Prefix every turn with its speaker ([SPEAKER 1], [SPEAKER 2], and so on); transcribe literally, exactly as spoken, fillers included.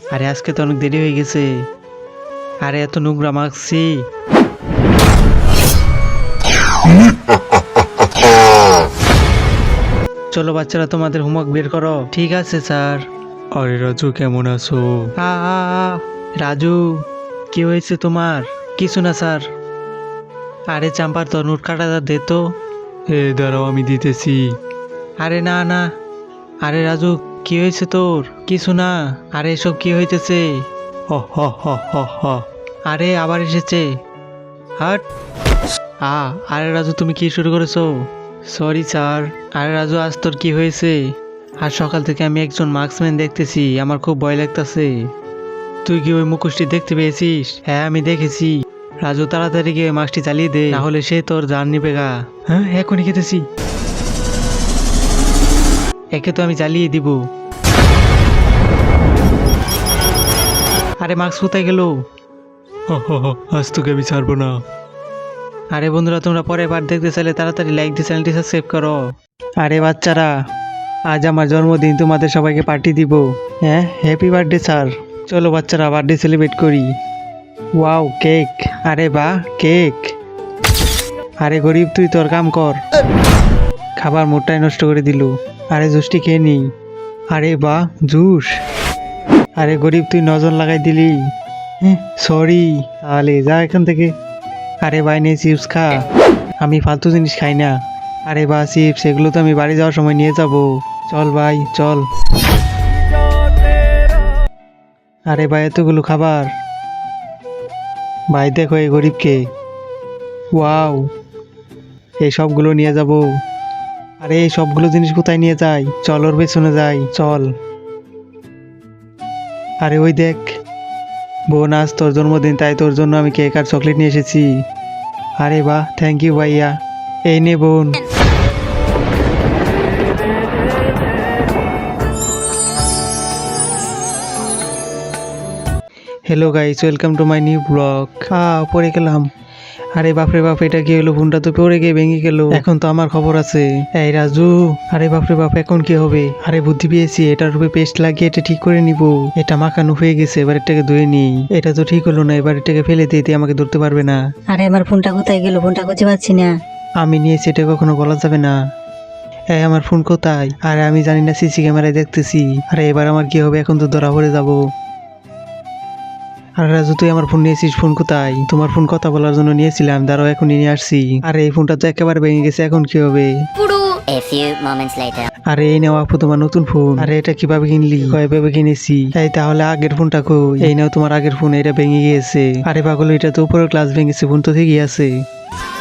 [SPEAKER 1] আরে আজকে তো অনেক দেরি হয়ে গেছে। আরে এত নোংরা মাখছি। চলো বাচ্চারা তোমাদের হোমওয়ার্ক বের করো। ঠিক আছে স্যার। আরে রাজু কেমন আছো? আ আ, আ, রাজু কি হয়েছে তোমার? কিছু না স্যার। আরে চাম্পার তো নোট কাটাটা দে তো। এ দাঁড়াও আমি দিতেছি। আরে না না। আরে রাজু কি হয়েছে তোর? কিছু না। আরে এসব কি হইতেছে? হ হ হ হ হ। আরে আবার এসেছে। হাট। আ আরে রাজু তুমি কি শুরু করেছো? Sorry sir. আরে রাজু আজ তোর কি হয়েছে? আর সকাল থেকে আমি একজন মার্কসম্যান দেখতেছি, আমার খুব ভয় লাগতেছে। তুই কি ওই মুখোশটি দেখতে পেয়েছিস? হ্যাঁ আমি দেখেছি। রাজু তাড়াতাড়ি গিয়ে মাস্কটি চালিয়ে দে, না হলে সে তোর জান নিবে গা। হ্যাঁ এখনই খেতেছি। একে তো আমি জ্বালিয়ে দিব। আরে মাস্ক কোথায় গেল? আজ তোকে আমি ছাড়বো না। আরে বন্ধুরা তোমরা পরে পার্ট দেখতে চাইলে তাড়াতাড়ি লাইক দিয়ে চ্যানেলটি সাবস্ক্রাইব করো। আরে বাচ্চারা আজ আমার জন্মদিন, তোমাদের সবাইকে পার্টি দিব। হ্যাঁ হ্যাপি বার্থডে স্যার। চলো বাচ্চারা বার্থডে সেলিব্রেট করি। Wow cake. আরে বাহ কেক। আরে গরিব তুই তোর কাম কর। খাবার মোটটাই নষ্ট করে দিল। আরে জুসটি খেয়ে নি। আরে বাহ জুস। আরে গরিব তুই নজর লাগাই দিলি। সরি। তাহলে যা এখান থেকে। আরে ভাই নে চিপস খা। আমি ফালতু জিনিস খাই না। আরে বা চিপস এগুলো তো আমি বাড়ি যাওয়ার সময় নিয়ে যাব। চল ভাই চল। আরে ভাই এতগুলো খাবার। ভাই দেখো এই গরিবকে। ওয়াও এই সবগুলো নিয়ে যাব। আরে এই সবগুলো জিনিস কোথায় নিয়ে যাই? চল ওর পেছনে যাই চল। আরে ওই দেখ বোন আজ তোর জন্মদিন, তাই তোর জন্য আমি কেক আর চকলেট নিয়ে এসেছি। আরে বাহ থ্যাংক ইউ ভাইয়া। এই নে বোন। Hello guys welcome to my new blog. হ্যাঁ পড়ে গেলাম। আরে বাপরে বাপ এটা কি হলো? ফোনটা তো পড়ে গিয়ে ভেঙে গেল। এখন তো আমার খবর আছে। এই রাজু। আরে বাপরে বাপ এখন কি হবে? আরে বুদ্ধি পেয়েছি, এটার উপরে পেস্ট লাগিয়ে এটা ঠিক করে নিব। এটা মাখানো হয়ে গেছে, এবার এটাকে ধুয়ে নিই। এটা তো ঠিক হলো না, এবার এটাকে ফেলে দিতে আমাকে ধরতে পারবে না।
[SPEAKER 2] আরে আমার ফোনটা কোথায় গেল? ফোনটা খুঁজে পাচ্ছি না।
[SPEAKER 1] আমি নিয়েছি, এটা কখনো বলা যাবে না। এই আমার ফোন কোথায়? আরে আমি জানি না, সিসি ক্যামেরায় দেখতেছি। আরে এবার আমার কি হবে? এখন তো ধরা পড়ে যাবো। আরে রাজু তুই আমার ফোন নিয়েছিস, ফোন কোথায়? তোমার ফোন কথা বলার জন্য নিয়েছিলাম, দাঁড়াও এখনই নিয়ে আসছি। আরে এই ফোনটা তো একেবারে ভেঙে গেছে, এখন কি হবে?
[SPEAKER 3] A few moments later.
[SPEAKER 1] আরে এই নাও আপু তোমার নতুন ফোন। আরে এটা কিভাবে কিনলি? কয়ভাবে কিনেছি? এই তাহলে আগের ফোনটা কই? এই নাও তোমার আগের ফোন, এটা ভেঙে গিয়েছে। আরে পাগল এটা তো উপরের গ্লাস ভেঙেছে, ফোন তো ঠিকই আছে।